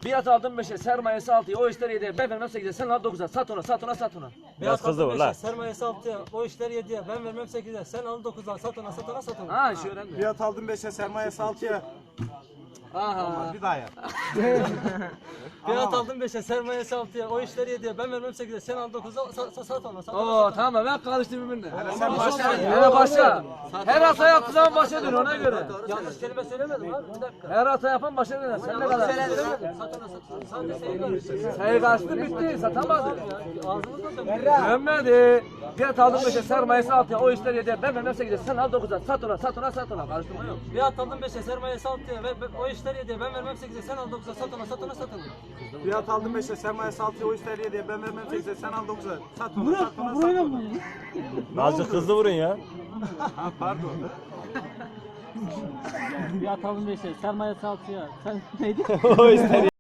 Biat aldım 5'e, sermayesi 6'ya, o işler 7'ye, ben vermem 8'e, sen al 9'a, sat ona, sat ona, sat ona. Biraz kızdı bu la. Sermayesi 6'ya, o işler 7'ye, ben vermem 8'e, sen al 9'a, sat ona, sat ona, sat ona. Ha, şu önemli. Fiyat aldım 5'e, sermayesi 6'ya. Aha. Bir daha yap. Fiyat aldım 5'e, sermayesi 6'ya, o işler 7'ye, ben vermem 8'e, sen al 9'a, sat ona, sat ona. Oo tamam, ben karıştım birbirine. Sen başla. Hele başla. Her hata yaptığı zaman başa dön ona göre. Yanlış kelime söylemedim abi, bir dakika. Her hata yapan başa döner. Sen ne kadar? Söylemedim, sat ona, sat ona. Sadece sayı karıştı. Sayı kaçtı bitti, satamadın. Ağzımızda dönüyor. Dönmedi. Fiyat aldım 5'e, sermayesi 6'ya, o işler 7'ye, ben vermem 8'e, sen al 9'a, sat ona, sat ona, sat ona. Karıştırma yok. Fiyat aldım 5'e, sermayesi 6'ya, o işler 7'ye, ben vermem 8'e, sen al 9'a, sat ona, sat ona, sat ona. Fiyat aldım 5'e, sermayesi 6'ya, o işler 7'ye, ben vermem 8'e, sen al 9'a. Sat onu, sat ona, sat ona. Azıcık hızlı vurun ya. Pardon. Fiyat aldım 5'e, sermayesi 6'ya, sen neydi? O ister